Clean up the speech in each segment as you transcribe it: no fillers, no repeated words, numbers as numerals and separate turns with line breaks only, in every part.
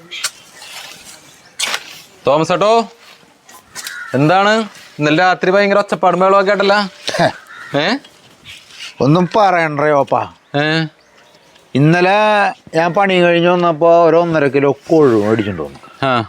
Thomas ഏട്ടോ, എന്താണ് ഇന്നലെ രാത്രി ഭയങ്കര ഒച്ചപ്പാടും മേളമൊക്കെ ആയിട്ടല്ല?
ഒന്നും പറയണ്ടോപ്പാ. ഇന്നലെ ഞാൻ പണി കഴിഞ്ഞ് വന്നപ്പോ 1.5 കിലോ കൊഴുവ് മേടിച്ചിട്ട് വന്നു.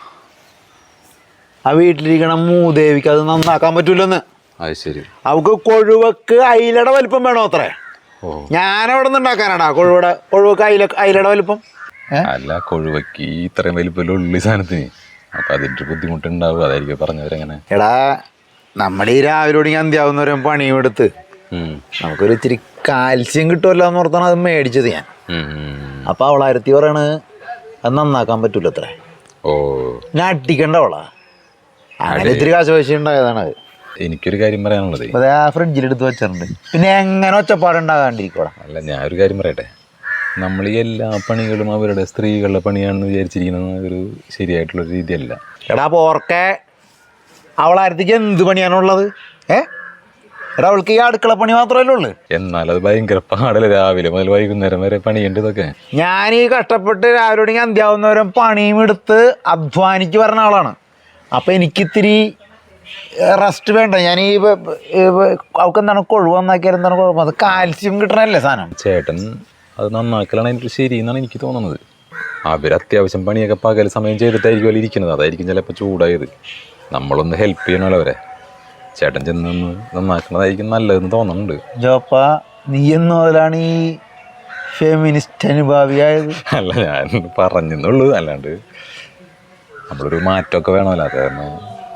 ആ വീട്ടിലിരിക്കണ മൂദേവിക്ക് അത് നന്നാക്കാൻ പറ്റൂലെന്ന്.
അത് ശരി.
അവക്ക് കൊഴുവക്ക് അയിലയുടെ വലിപ്പം വേണോ അത്രേ. ഞാനവിടെ നിന്ന് ഉണ്ടാക്കാനാടാ കൊഴുവക്ക് അയിലയുടെ വലിപ്പം.
അല്ല, കൊഴുവക്ക് ഇത്രയും വലിപ്പമല്ലേ ഉള്ളി സാധനത്തിന്, അപ്പൊ അതിന്റെ ബുദ്ധിമുട്ടുണ്ടാവും, അതായിരിക്കും പറഞ്ഞവരെങ്ങനെ.
എടാ, നമ്മുടെ ഈ രാവിലെ അന്ത്യാവുന്നവരും പണിയും എടുത്ത് നമുക്കൊരു ഇത്തിരി കാൽസ്യം കിട്ടുമല്ലോ എന്ന് ഓർത്താണ് അത് മേടിച്ചത് ഞാൻ. അപ്പൊ അവളായിരത്തി പറയണത് അത് നന്നാക്കാൻ പറ്റൂല അത്രേ. ഞാൻ അട്ടിക്കണ്ട അവളാ. അങ്ങനെ ഇത്തിരി കാശ് പൈസ ഉണ്ടായതാണ് അത്.
എനിക്കൊരു കാര്യം പറയാനുള്ളത്,
അതെ, ആ ഫ്രിഡ്ജിലെടുത്ത് വെച്ചിട്ടുണ്ട്. പിന്നെ എങ്ങനെ ഒച്ചപ്പാടുണ്ടാകാണ്ടിരിക്കോടാ.
അല്ല, ഞാനൊരു കാര്യം പറയട്ടെ. നമ്മൾ ഈ എല്ലാ പണികളും അവരുടെ സ്ത്രീകളുടെ പണിയാണെന്ന് വിചാരിച്ചിരിക്കുന്നത് ഒരു ശരിയായിട്ടുള്ള രീതിയല്ല.
എടാ പോർക്കെ, അവളായിരത്തിക്ക് എന്ത് പണിയാണുള്ളത്? എടാ, അവൾക്ക് ഈ അടുക്കള പണി മാത്രമല്ലേ ഉള്ളു.
എന്നാൽ അത് ഭയങ്കര പാടല്ലേ, രാവിലെ മുതൽ വൈകുന്നേരം വരെ പണിയുണ്ട്. ഇതൊക്കെ
ഞാൻ ഈ കഷ്ടപ്പെട്ട് രാവിലെ അന്ത്യാവുന്നവരും പണിയും എടുത്ത് അധ്വാനിക്ക് പറഞ്ഞ ആളാണ്. അപ്പം എനിക്കിത്തിരി റെസ്റ്റ് വേണ്ട. ഞാൻ ഈ അവൾക്ക് എന്താണ് കൊഴുവ് നന്നാക്കിയാൽ എന്താണ് കുഴപ്പം? അത് കാൽസ്യം കിട്ടണല്ലേ സാധനം.
ചേട്ടൻ അത് നന്നാക്കലാണ് എനിക്ക് ശരി എന്നാണ് എനിക്ക് തോന്നുന്നത്. അവർ അത്യാവശ്യം പണിയൊക്കെ പകൽ സമയം ചെയ്തിട്ടായിരിക്കും ഇരിക്കുന്നത്, അതായിരിക്കും ചിലപ്പോൾ ചൂടായത്. നമ്മളൊന്ന് ഹെൽപ്പ് ചെയ്യണമല്ലോ അവരെ. ചേട്ടൻ ചെന്നൊന്ന് നന്നാക്കണതായിരിക്കും നല്ലതെന്ന് തോന്നുന്നുണ്ട്.
ജോപ്പ, നീ എന്ന് മുതലാണ് ഈ ഫെമിനിസ്റ്റ് അനുഭാവിയായത്?
അല്ല, ഞാൻ പറഞ്ഞെന്നുള്ളൂ, അല്ലാണ്ട് നമ്മളൊരു മാറ്റമൊക്കെ വേണമല്ലോ. അത് കാരണം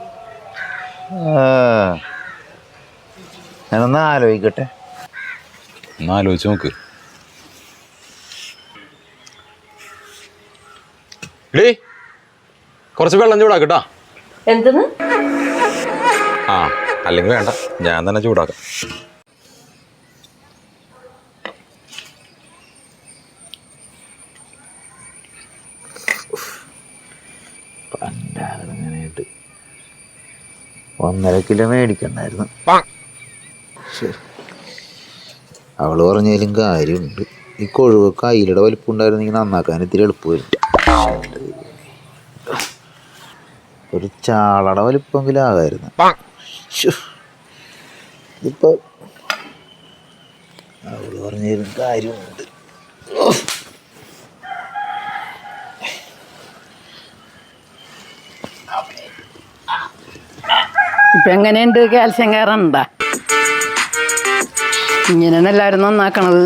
ഞാനൊന്ന് ആലോചിക്കട്ടെ.
ഒന്ന് ആലോചിച്ച് നോക്ക്. കുറച്ച് വെള്ളം ചൂടാക്കട്ടാ.
എന്തെന്ന്?
ആ, അല്ലെങ്കിൽ വേണ്ട, ഞാൻ തന്നെ ചൂടാക്കാം.
പണ്ടായിട്ട് 1.5 കിലോ മേടിക്കണ്ടായിരുന്നു. അവള് പറഞ്ഞാലും കാര്യമുണ്ട്. ഈ കൊഴുവൊക്കെ അയിലയുടെ വലിപ്പം ഉണ്ടായിരുന്നെങ്കിൽ നന്നാക്കാൻ ഇത്തിരി എളുപ്പമായിരുന്നു. ഒരു ചാളയുടെ വലിപ്പമെങ്കിലും ആകായിരുന്നു. ഇതിപ്പോ അവള് പറഞ്ഞാലും കാര്യമുണ്ട്.
ഇപ്പൊ എങ്ങനെയുണ്ട്? കാൽസ്യം കയറണ്ട? ഇങ്ങനെയാണ് എല്ലാവരും നന്നാക്കണത്.